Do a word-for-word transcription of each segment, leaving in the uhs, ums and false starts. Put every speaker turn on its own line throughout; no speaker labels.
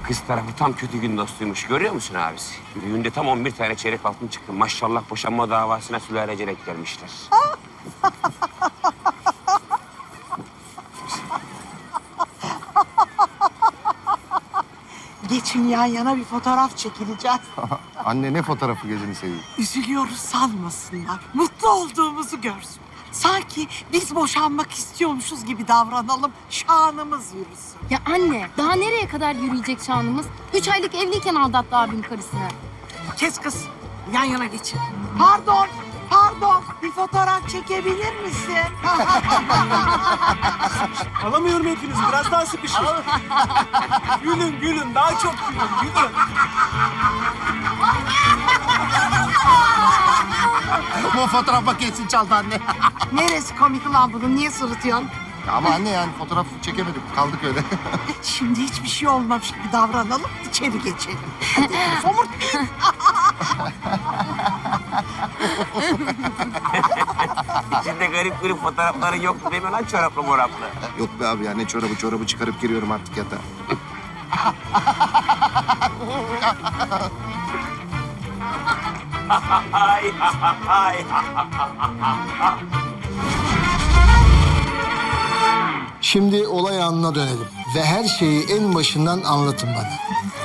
Kız tarafı tam kötü gün dostuymuş. Görüyor musun abisi? Düğünde tam on bir tane çeyrek altın çıktı. Maşallah boşanma davasına sülalecelik gelmişler.
Geçin yan yana bir fotoğraf çekileceğiz.
Anne ne fotoğrafı gözünü seveyim.
Üzülüyoruz sanmasınlar. Mutlu olduğumuzu görsün. Sanki biz boşanmak istiyormuşuz gibi davranalım. Şanımız yürüsün.
Ya anne, daha nereye kadar yürüyecek şanımız? Üç aylık evliyken aldattı abim karısını.
Kes kız. Yan yana geçin. Pardon, pardon. Bir fotoğraf çekebilir misin?
Alamıyorum hepinizi. Biraz daha sıkışın. Gülün, gülün. Daha çok gülün, gülün.
Bu fotoğraf makinesini çaldı anne.
Neresi komik lan bunun? Niye sırıtıyorsun?
Ama anne yani fotoğraf çekemedik. Kaldık öyle.
Şimdi hiçbir şey olmamış gibi davranalım. İçeri geçelim. Somurtmayın.
İçinde garip garip fotoğrafları yoktu değil mi lan çoraplı moraplı?
Yok be abi ya ne çorabı çorabı çıkarıp giriyorum artık yatağa.
Ay, ay.
Şimdi olay anına dönelim ve her şeyi en başından anlatın bana.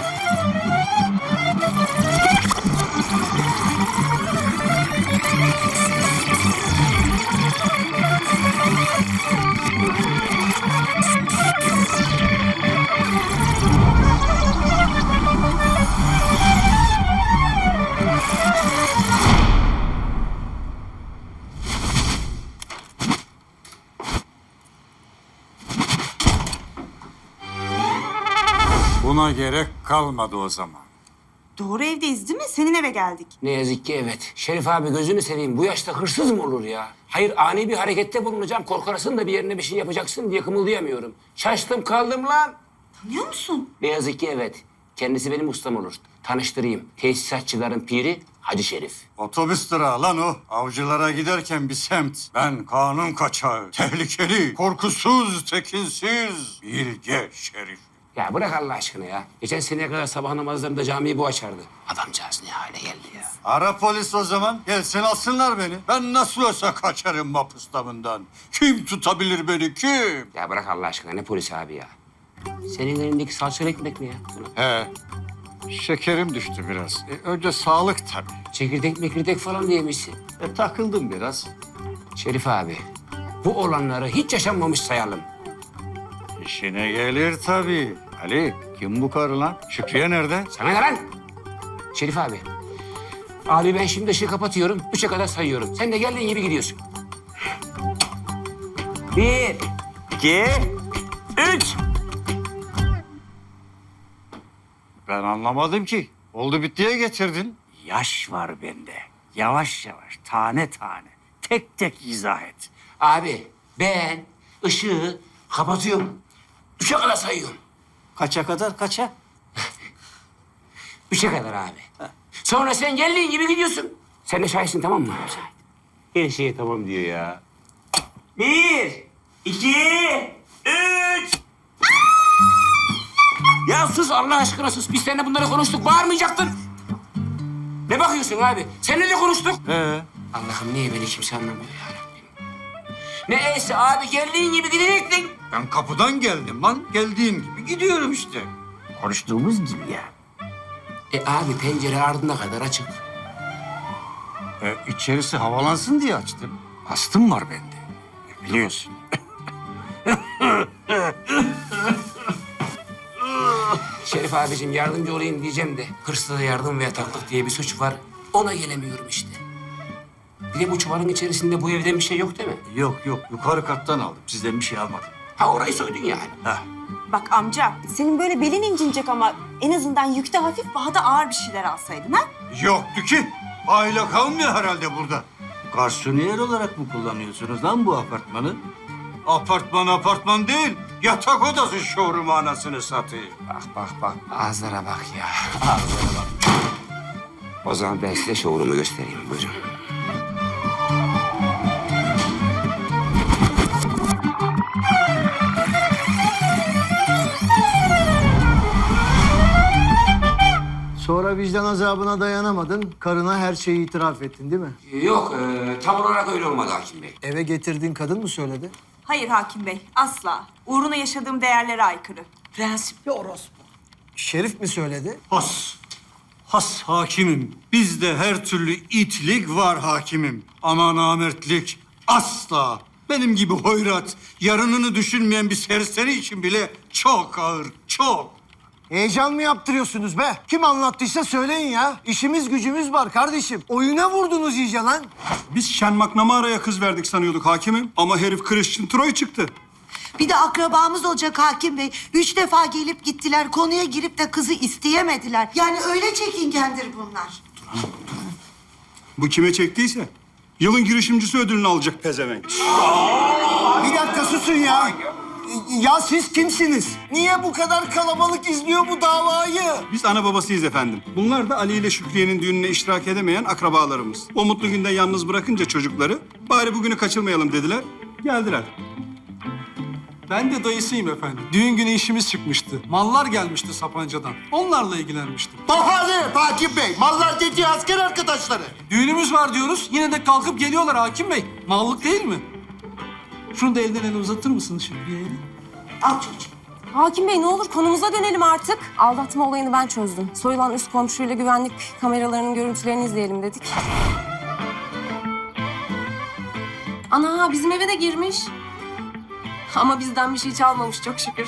Buna gerek kalmadı o zaman.
Doğru evdeyiz değil mi? Senin eve geldik.
Ne yazık ki evet. Şerif abi gözünü seveyim. Bu yaşta hırsız mı olur ya? Hayır ani bir harekette bulunacağım. Korkarsın da bir yerine bir şey yapacaksın diye kımıldayamıyorum. Şaştım kaldım lan.
Tanıyor musun?
Ne yazık ki evet. Kendisi benim ustam olur. Tanıştırayım. Tesisatçıların piri Hacı Şerif.
Otobüs durağı lan o. Avcılara giderken bir semt. Ben kanun kaçağı, tehlikeli, korkusuz, tekinsiz, bilge Şerif.
Ya bırak Allah aşkına ya. Geçen seneye kadar sabah namazlarında camiyi bu açardı. Adamcağız ne hale geldi ya.
Ara polis o zaman. Gelsin alsınlar beni. Ben nasıl olsa kaçarım mapustamından. Kim tutabilir beni, kim?
Ya bırak Allah aşkına ne polis abi ya. Senin elindeki salçalı ekmek mi ya?
He. Şekerim düştü biraz. E, önce sağlık tabii.
Çekirdek mekirdek falan diyemişsin.
E, takıldım biraz.
Şerif abi, bu olanları hiç yaşanmamış sayalım.
İşine gelir tabii. Ali, kim bu karı lan? Şükriye nerede?
Sana ne lan? Şerif abi. Abi ben şimdi ışığı kapatıyorum. Üçe kadar sayıyorum. Sen de geldiğin gibi gidiyorsun. Bir, iki, üç.
Ben anlamadım ki. Oldu bittiye getirdin.
Yaş var bende. Yavaş yavaş, tane tane. Tek tek izah et.
Abi ben ışığı kapatıyorum. Üçe kadar sayıyorum.
Kaça kadar, kaça?
Üçe kadar abi. Sonra sen geldiğin gibi gidiyorsun. Sen de şahitsin tamam mı? Her şeye tamam diyor ya. Bir, iki, üç. Ya sus Allah aşkına sus. Biz seninle bunları konuştuk. Bağırmayacaktın. Ne bakıyorsun abi? Seninle de konuştuk.
Ee?
Allah'ım niye beni kimse anlamıyor ya Rabbim. Neyse abi geldiğin gibi gidecektin.
Ben kapıdan geldim lan. Geldiğim gibi gidiyorum işte.
Konuştuğumuz gibi ya.
E abi pencere ardına kadar açık.
E, içerisi havalansın diye açtım. Astım var bende. E, biliyorsun.
Şerif abicim yardımcı olayım diyeceğim de hırsıza yardım ve yataklık diye bir suç var. Ona gelemiyorum işte. Bir de bu çuvalın içerisinde bu evden bir şey yok değil mi?
Yok yok yukarı kattan aldım. Sizden bir şey almadım.
Ha orayı soydun yani.
Heh.
Bak amca, senin böyle belin incinecek ama en azından yükte hafif, bahada ağır bir şeyler alsaydın ha?
Yoktu ki. Aile kalmıyor herhalde burada. Garsoniyer olarak mı kullanıyorsunuz lan bu apartmanı? Apartman apartman değil. Yatak odası showroom anasını satayım.
Bak bak bak ağızlara bak ya. Ağızlara bak. O zaman ben size showroom'u göstereyim. Buyurun.
Sonra vicdan azabına dayanamadın. Karına her şeyi itiraf ettin değil mi?
Yok, e, tam olarak öyle olmadı hakim bey.
Eve getirdiğin kadın mı söyledi?
Hayır hakim bey, asla. Uğruna yaşadığım değerlere aykırı.
Prensipli orospu.
Şerif mi söyledi?
Has. Has hakimim. Bizde her türlü itlik var hakimim. Ama namertlik asla. Benim gibi hoyrat, yarınını düşünmeyen bir serseri için bile çok ağır, çok.
Heyecan mı yaptırıyorsunuz be? Kim anlattıysa söyleyin ya. İşimiz gücümüz var kardeşim. Oyuna vurdunuz iyice lan.
Biz Şen McNamara'ya kız verdik sanıyorduk hakimim. Ama herif Christian Troy çıktı.
Bir de akrabamız olacak hakim bey. Üç defa gelip gittiler. Konuya girip de kızı isteyemediler. Yani öyle çekingendir bunlar.
Bu kime çektiyse yılın girişimcisi ödülünü alacak pezevenk.
Bir dakika susun ya. Ya siz kimsiniz? Niye bu kadar kalabalık izliyor bu davayı?
Biz ana babasıyız efendim. Bunlar da Ali ile Şükriye'nin düğününe iştirak edemeyen akrabalarımız. O mutlu günde yalnız bırakınca çocukları bari bugünü kaçırmayalım dediler. Geldiler.
Ben de dayısıyım efendim. Düğün günü işimiz çıkmıştı. Mallar gelmişti Sapanca'dan. Onlarla ilgilenmiştim.
Bahane Hakim Bey. Mallar dediği asker arkadaşları.
Düğünümüz var diyoruz. Yine de kalkıp geliyorlar hakim bey. Mallık değil mi? Şunu da elden ele uzatır mısınız Şükriye'ye?
Al çocuğum.
Hakim Bey ne olur konumuza dönelim artık. Aldatma olayını ben çözdüm. Soyulan üst komşuyla güvenlik kameralarının görüntülerini izleyelim dedik. Ana bizim eve de girmiş. Ama bizden bir şey çalmamış çok şükür.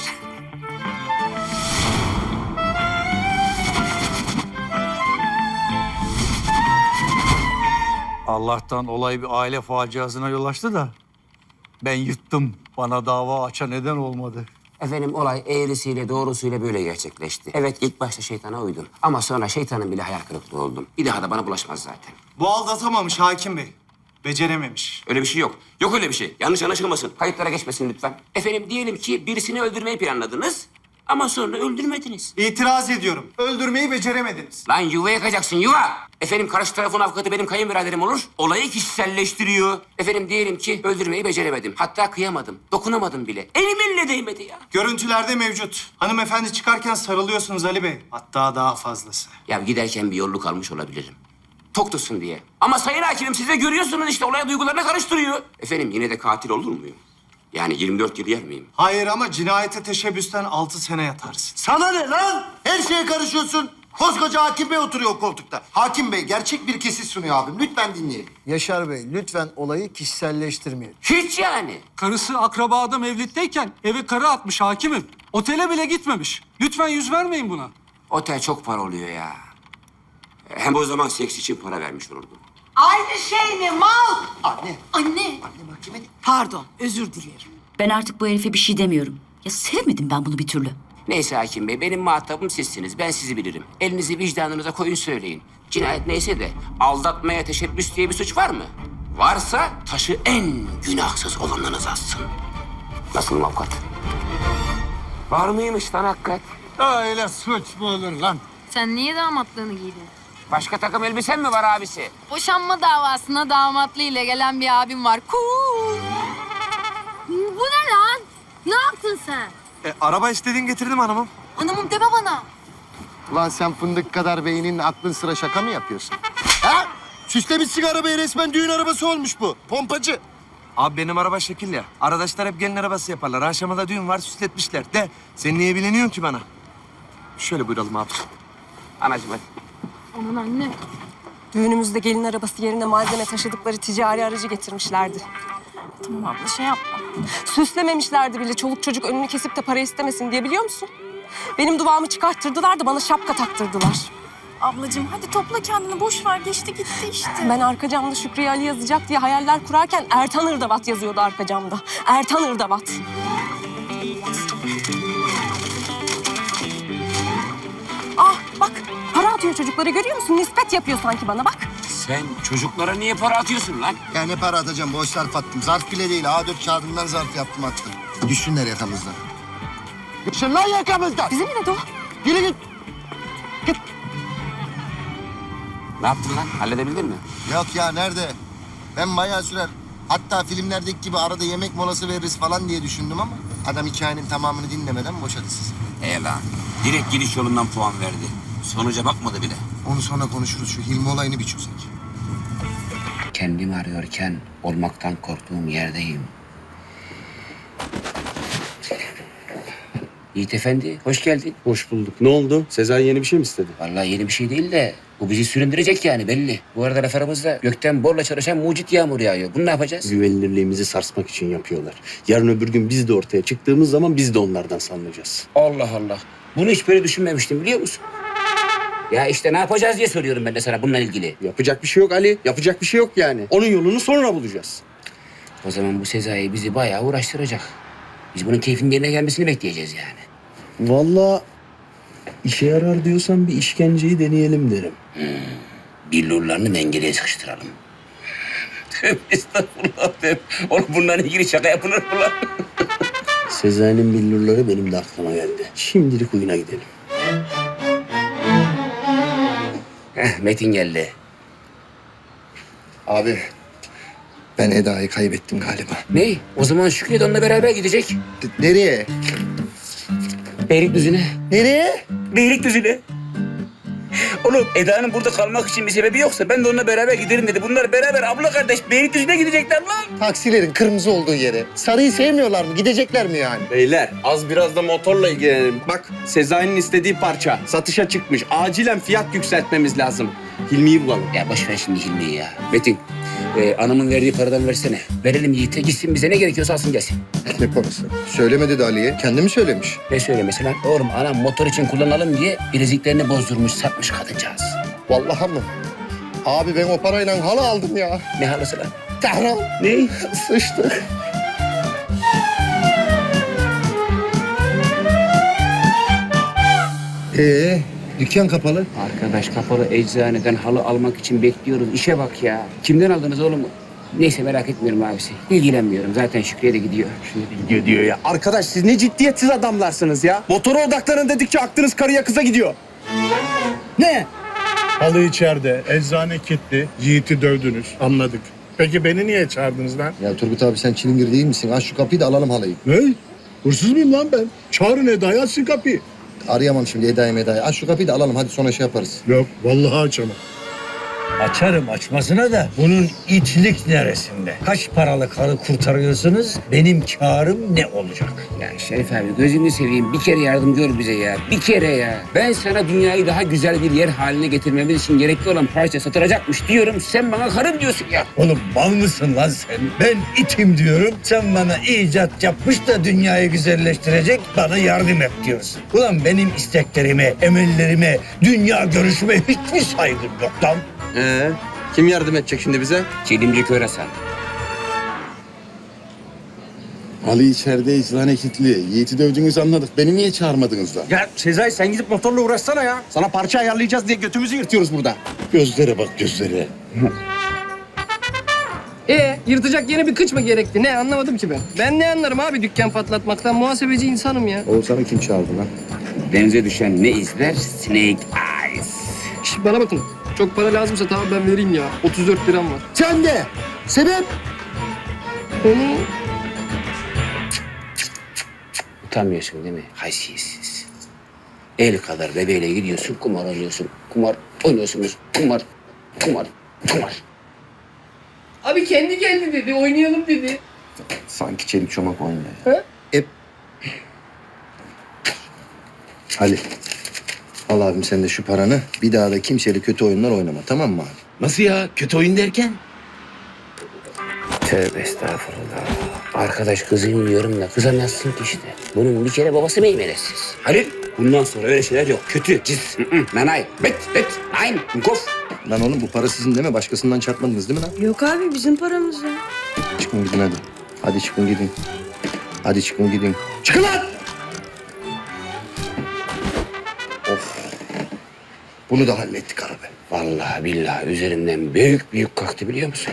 Allah'tan olay bir aile faciasına yol açtı da ben yırttım. Bana dava açan neden olmadı.
Efendim olay eğrisiyle doğrusuyla böyle gerçekleşti. Evet ilk başta şeytana uydum. Ama sonra şeytanın bile hayal kırıklığı oldum. Bir daha da bana bulaşmaz zaten.
Bu aldatamamış hakim bey. Becerememiş.
Öyle bir şey yok. Yok öyle bir şey. Yanlış anlaşılmasın. Kayıtlara geçmesin lütfen. Efendim diyelim ki birisini öldürmeyi planladınız. Ama sonra öldürmediniz.
İtiraz ediyorum. Öldürmeyi beceremediniz.
Lan yuva yakacaksın yuva. Efendim karşı tarafın avukatı benim kayınbiraderim olur. Olayı kişiselleştiriyor. Efendim diyelim ki öldürmeyi beceremedim. Hatta kıyamadım. Dokunamadım bile. Elim eline değmedi ya.
Görüntülerde mevcut. Hanımefendi çıkarken sarılıyorsunuz Ali Bey. Hatta daha fazlası.
Ya giderken bir yolluk almış olabilirim. Tok tutsun diye. Ama sayın hakimim siz de görüyorsunuz işte olay duygularına karıştırıyor. Efendim yine de katil olur muyum? Yani yirmi dört yıl yer miyim?
Hayır ama cinayete teşebbüsten altı sene yatarsın.
Sana ne lan? Her şeye karışıyorsun. Koskoca Hakim Bey oturuyor o koltukta. Hakim Bey gerçek bir kesit sunuyor abim. Lütfen dinleyin.
Yaşar Bey lütfen olayı kişiselleştirmeyin.
Hiç yani.
Karısı akrabada mevlitteyken eve karı atmış hakimim. Otele bile gitmemiş. Lütfen yüz vermeyin buna.
Otel çok para oluyor ya. Hem o zaman seks için para vermiş olurdum.
Aynı şey mi mal?
Anne.
Anne.
Anne mahkemede.
Pardon özür dilerim.
Ben artık bu herife bir şey demiyorum. Ya sevmedim ben bunu bir türlü.
Neyse hakim bey benim muhatabım sizsiniz. Ben sizi bilirim. Elinizi vicdanınıza koyun söyleyin. Cinayet neyse de aldatmaya teşebbüs diye bir suç var mı? Varsa taşı en günahsız olanınız assın. Nasıl avukat? Var mıymış lan hakikat?
Öyle suç mu olur lan?
Sen niye damatlığını giydin?
Başka takım elbisen mi var abisi?
Boşanma davasına damatlı ile gelen bir abim var. Cool. Bu ne lan? Ne yaptın sen?
E, araba istediğin getirdim hanımım.
Hanımım deme bana.
Ulan sen fındık kadar beynin aklın sıra şaka mı yapıyorsun? Ha? Süslemişsin arabayı resmen düğün arabası olmuş bu. Pompacı.
Abi benim araba şekil ya. Arkadaşlar hep gelin arabası yaparlar. Akşama düğün var süsletmişler. De sen niye bileniyorsun ki bana? Şöyle buyuralım abi.
Anacığım hadi.
Aman anne.
Düğünümüzde gelin arabası yerine malzeme taşıdıkları ticari aracı getirmişlerdi. Tamam abla şey yapma. Süslememişlerdi bile çoluk çocuk önünü kesip de para istemesin diye biliyor musun? Benim duvağımı çıkarttırdılar da bana şapka taktırdılar.
Ablacığım hadi topla kendini boş ver geçti gitti işte.
Ben arka camda Şükriye Ali yazacak diye hayaller kurarken Ertan Irdavat yazıyordu arka camda. Ertan Irdavat. Ah bak para atıyor çocuklara görüyor musun? Nispet yapıyor sanki bana bak.
Sen çocuklara niye para atıyorsun lan?
Ya ne para atacağım? Boş zarf attım. Zarf bile değil. A dört kağıdından zarf yaptım attım. Düşsünler yakamızdan. Düşsün lan yakamızdan.
Bizim mi de o?
Yürü git. Git.
Ne yaptın lan? Halledebildin mi?
Yok ya nerede? Ben bayağı sürer. Hatta filmlerdeki gibi arada yemek molası veririz falan diye düşündüm ama adam hikayenin tamamını dinlemeden boşadı sizi.
E lan. Direkt giriş yolundan puan verdi. Sonuca bakmadı bile.
Onu sonra konuşuruz. Şu Hilmi olayını bir çözek.
Kendimi arıyorken olmaktan korktuğum yerdeyim. Yiğit Efendi, hoş geldin.
Hoş bulduk. Ne oldu? Sezai yeni bir şey mi istedi?
Vallahi yeni bir şey değil de bu bizi süründürecek yani belli. Bu arada laf aramızda gökten borla çalışan mucit yağmur yağıyor. Bunu ne yapacağız?
Güvenilirliğimizi sarsmak için yapıyorlar. Yarın öbür gün biz de ortaya çıktığımız zaman biz de onlardan sanmayacağız.
Allah Allah. Bunu hiç böyle düşünmemiştim biliyor musun? Ya işte ne yapacağız diye soruyorum ben de sana bununla ilgili.
Yapacak bir şey yok Ali. Yapacak bir şey yok yani. Onun yolunu sonra bulacağız.
O zaman bu Sezai bizi bayağı uğraştıracak. Biz bunun keyfinin yerine gelmesini bekleyeceğiz yani.
Vallahi işe yarar diyorsan bir işkenceyi deneyelim derim.
Billurlarını mengereye sıkıştıralım. Tövbe estağfurullah tövbe. Oğlum bunların ilgili şaka yapılır mı lan?
Sezai'nin billurları benim de aklıma geldi. Şimdilik oyuna gidelim.
Heh, Metin geldi.
Abi ben Eda'yı kaybettim galiba.
Ne? O zaman Şükrü de onunla beraber gidecek.
D- nereye?
Beylikdüzü'ne.
Nereye?
Beylikdüzü'ne. Oğlum Eda'nın burada kalmak için bir sebebi yoksa ben de onunla beraber giderim dedi. Bunlar beraber abla kardeş Beylikdüzü'ne gidecekler lan.
Taksilerin kırmızı olduğu yere. Sarıyı sevmiyorlar mı? Gidecekler mi yani?
Beyler az biraz da motorla ilgilenelim. Bak Sezai'nin istediği parça satışa çıkmış. Acilen fiyat yükseltmemiz lazım. Hilmi'yi bulalım.
Ya boş ver şimdi Hilmi'yi ya. Metin, e, anamın verdiği paradan versene. Verelim Yiğit'e gitsin bize ne gerekiyorsa alsın gelsin.
Ne parası? Söyleme dedi Ali'ye. Kendi mi söylemiş?
Ne söylemesi lan? Oğlum anam motor için kullanalım diye bileziklerini bozdurmuş satmış kadıncağız.
Vallahi mı? Abi ben o parayla halı aldım ya.
Ne halısı lan?
Tahran.
Ne?
Sıçtık. Ee, dükkan kapalı.
Arkadaş kapalı eczaneden halı almak için bekliyoruz. İşe bak ya. Kimden aldınız oğlum? Neyse merak etmiyorum abisi. İlgilenmiyorum. Zaten Şükrü'ye de gidiyor.
Gidiyor diyor ya. Arkadaş siz ne ciddiyetsiz adamlarsınız ya. Motora odaklanın dedikçe aklınız karıya kıza gidiyor. Ne?
Halı içeride, eczane kilitli, Yiğit'i dövdünüz. Anladık. Peki beni niye çağırdınız lan?
Ya Turgut abi sen çilingir değil misin? Aç şu kapıyı da alalım halıyı.
Ne? Hırsız mıyım lan ben? Çağırın Eda'yı, açsın kapıyı.
Arayamam şimdi Eda'yı Meda'yı. Aç şu kapıyı da alalım hadi sonra şey yaparız.
Yok, vallahi açamam.
Açarım açmasına da bunun itlik neresinde? Kaç paralık halı kurtarıyorsunuz? Benim kârım ne olacak?
Ya Şerif abi gözünü seveyim. Bir kere yardım gör bize ya. Bir kere ya. Ben sana dünyayı daha güzel bir yer haline getirmemiz için gerekli olan parça satılacakmış diyorum. Sen bana karım diyorsun ya.
Oğlum mal mısın lan sen? Ben itim diyorum. Sen bana icat yapmış da dünyayı güzelleştirecek bana yardım et diyorsun. Ulan benim isteklerime, emellerime, dünya görüşüme hiçbir saygım yok lan.
Ee, kim yardım edecek şimdi bize?
Çelimci Körasan.
Halı içeride eczane kilitli. Yiğit'i dövdünüz anladık. Beni niye çağırmadınız lan?
Ya Sezai sen gidip motorla uğraşsana ya. Sana parça ayarlayacağız diye götümüzü yırtıyoruz burada.
Gözlere bak gözlere.
Ee, yırtacak yeni bir kıç mı gerekti? Ne anlamadım ki ben. Ben ne anlarım abi dükkan patlatmaktan? Muhasebeci insanım ya.
Oğuzhan'ı kim çağırdı lan?
Denize düşen ne izler? Snake Eyes.
Şş, bana bakın. Çok para lazımsa tamam ben vereyim ya. otuz dört liram var.
Sen de. Sebep?
Hı.
Utanmıyorsun değil mi? Haysiyetsiz. El kadar bebeğiyle gidiyorsun, kumar oynuyorsun. Kumar oynuyorsunuz. Kumar, kumar, kumar.
Abi kendi geldi dedi. Oynayalım dedi.
Sanki çelik çomak oynuyor.
He?
Hep. Ali. Al abim sen de şu paranı. Bir daha da kimseyle kötü oyunlar oynama tamam mı abi?
Nasıl ya? Kötü oyun derken?
Tövbe estağfurullah. Arkadaş kızıyım diyorum da kızamazsın ki işte. Bunun bir kere babası meymenetsiz. Halil, bundan sonra öyle şeyler yok. Kötü, cis, nanay, bet, bet, nein, kof.
Lan oğlum bu para sizin değil mi? Başkasından çarpmadınız değil mi lan?
Yok abi bizim paramız ya.
Çıkın gidin hadi. Hadi çıkın gidin. Hadi çıkın gidin. Çıkın lan! Of. Bunu da hallettik abi.
Vallahi billahi üzerimden büyük büyük kalktı biliyor musun?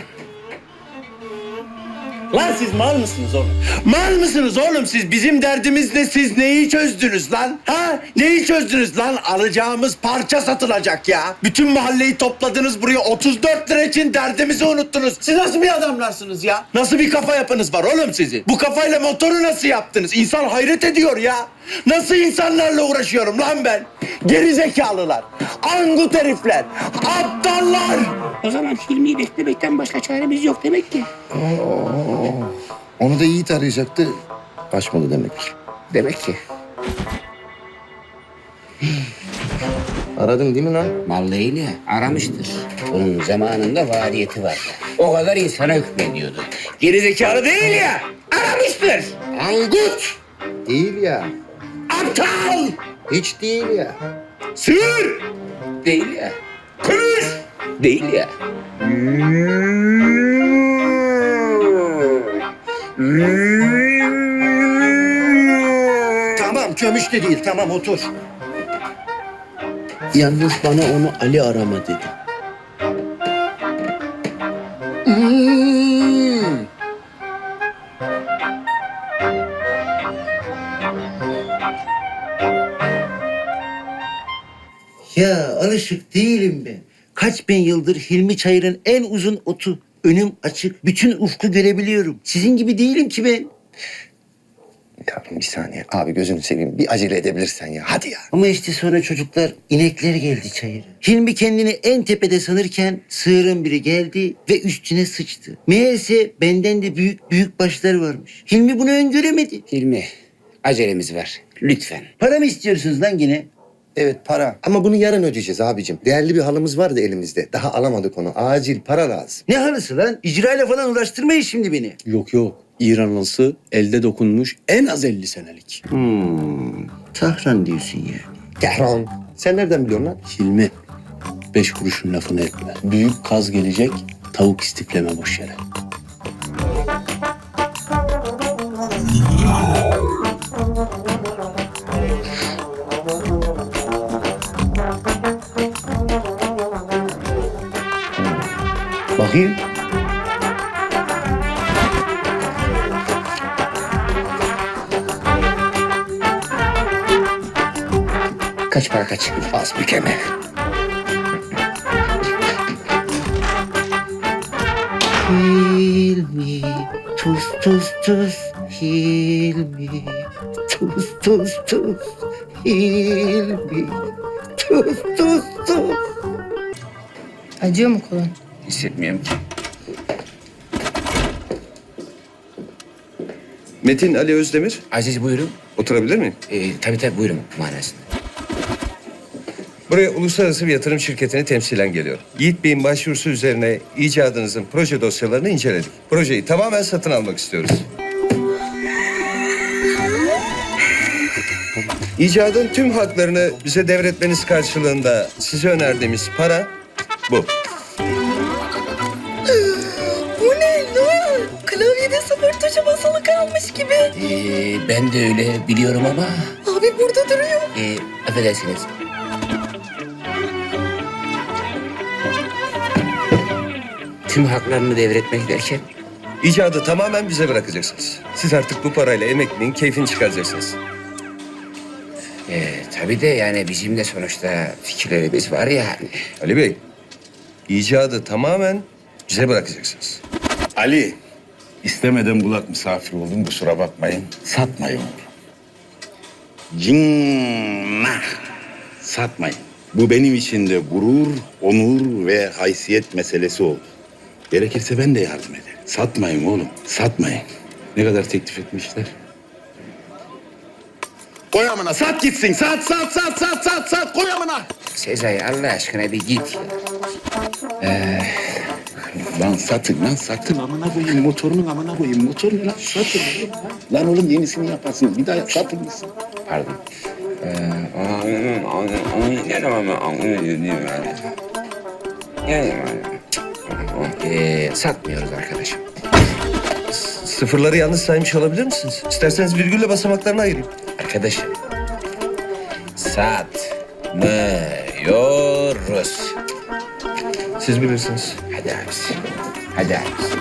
Lan siz mal mısınız oğlum? Mal mısınız oğlum siz? Bizim derdimiz ne? Siz neyi çözdünüz lan? Ha? Neyi çözdünüz lan? Alacağımız parça satılacak ya. Bütün mahalleyi topladınız buraya. otuz dört lira için derdimizi unuttunuz. Siz nasıl bir adamlarsınız ya? Nasıl bir kafa yapınız var oğlum sizin? Bu kafayla motoru nasıl yaptınız? İnsan hayret ediyor ya. Nasıl insanlarla uğraşıyorum lan ben? Gerizekalılar, angut herifler, aptallar.
O zaman Hilmi'yi beklemekten başka çaremiz yok demek ki.
Onu da Yiğit arayacaktı. Açmadı demek.
Demek ki.
Aradın değil mi lan?
Mallığıyla aramıştır. Bunun zamanında faaliyeti vardı. O kadar insana hükmediyordu. Gerizekalı değil ya, aramıştır.
Angut! Değil ya.
Aptal!
Hiç değil ya.
Sığır! Değil ya. Kuş! Değil ya.
Tamam, kömüş de değil, tamam otur. Yalnız bana onu Ali arama dedi.
Hmm.
Ya alışık değilim ben. Kaç bin yıldır Hilmi Çayır'ın en uzun otu. Önüm açık, bütün ufku görebiliyorum. Sizin gibi değilim ki ben.
Yavrum bir saniye. Abi gözünü seveyim. Bir acele edebilirsen ya. Hadi ya.
Ama işte sonra çocuklar, inekler geldi çayıra. Hilmi kendini en tepede sanırken sığırın biri geldi ve üstüne sıçtı. Meğerse benden de büyük büyük başlar varmış. Hilmi bunu öngöremedi.
Hilmi, acelemiz var. Lütfen.
Para mı istiyorsunuz lan yine?
Evet para. Ama bunu yarın ödeyeceğiz abicim. Değerli bir halımız vardı elimizde. Daha alamadık onu. Acil para lazım.
Ne halısı lan? İcrayla falan uğraştırmayın şimdi beni.
Yok yok. İran halısı elde dokunmuş en az elli senelik.
Hmm, Tahran diyorsun ya.
Tehran. Sen nereden biliyorsun lan?
Hilmi, beş kuruşun lafını etme. Büyük kaz gelecek, tavuk istifleme boş yere.
Bakayım.
Kaç para kaç?
Az bir keme.
Hilmi, tuz tuz tuz, Hilmi, tuz tuz tuz, Hilmi, tuz tuz tuz.
Acıyor mu kolun?
Hissetmiyorum ki.
Metin Ali Özdemir.
Aziz buyurun.
Oturabilir miyim?
Ee, tabii tabii buyurun manasında.
Buraya uluslararası bir yatırım şirketini temsilen geliyorum. Yiğit Bey'in başvurusu üzerine icadınızın proje dosyalarını inceledik. Projeyi tamamen satın almak istiyoruz. İcadın tüm haklarını bize devretmeniz karşılığında size önerdiğimiz para bu.
Bu ne lan? Klavyede sıfır tuşa basılı kalmış gibi.
Ee, ben de öyle biliyorum ama...
Abi burada duruyor.
Ee, affedersiniz. Tüm haklarını devretmek derken...
İcadı tamamen bize bırakacaksınız. Siz artık bu parayla emekliliğin keyfini çıkaracaksınız.
Ee, tabii de yani bizim de sonuçta fikirlerimiz var yani.
Ali Bey, icadı tamamen bize bırakacaksınız.
Ali, istemeden kulak misafir oldum, kusura bakmayın. Satmayın. Cinnah. Satmayın. Bu benim için de gurur, onur ve haysiyet meselesi oldu. Gerekirse ben de yardım ederim. Satmayın oğlum, satmayın. Ne kadar teklif etmişler? Koy amına, sat gitsin. Sat, sat, sat, sat, sat, sat. Koy amına.
Sezai Allah aşkına bir git.
Ee, lan satın lan, satın amına koyayım. Motorunun amına koyayım. Motor ne lan? Satın. Lan oğlum yenisini yaparsın. Bir daha satın mısın?
Pardon. Ee, ne zaman ben anlıyorum yani. Yani ee, satmıyoruz arkadaşım.
Sıfırları yanlış saymış olabilir misiniz? İsterseniz virgülle basamaklarını ayırayım.
Arkadaşım, satmıyoruz.
Siz bilirsiniz.
Hadi abisi, hadi abisi.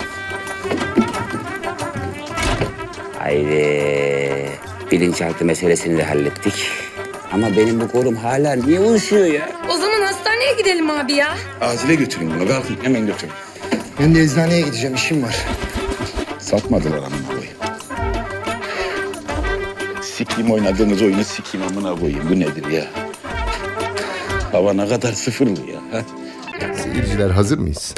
Haydi. Bilinçaltı meselesini de hallettik. Ama benim bu kolum hala niye uyuşuyor ya?
O zaman hastaneye gidelim abi ya.
Acile götürün bunu. Kalkın hemen götürün.
Ben de eczaneye gideceğim. İşim var.
Satmadılar amına koyayım. Sikeyim oynadığınız oyunu sikeyim amına koyayım. Bu nedir ya? Hava ne kadar sıfırlı ya. Ha?
Seyirciler hazır mıyız?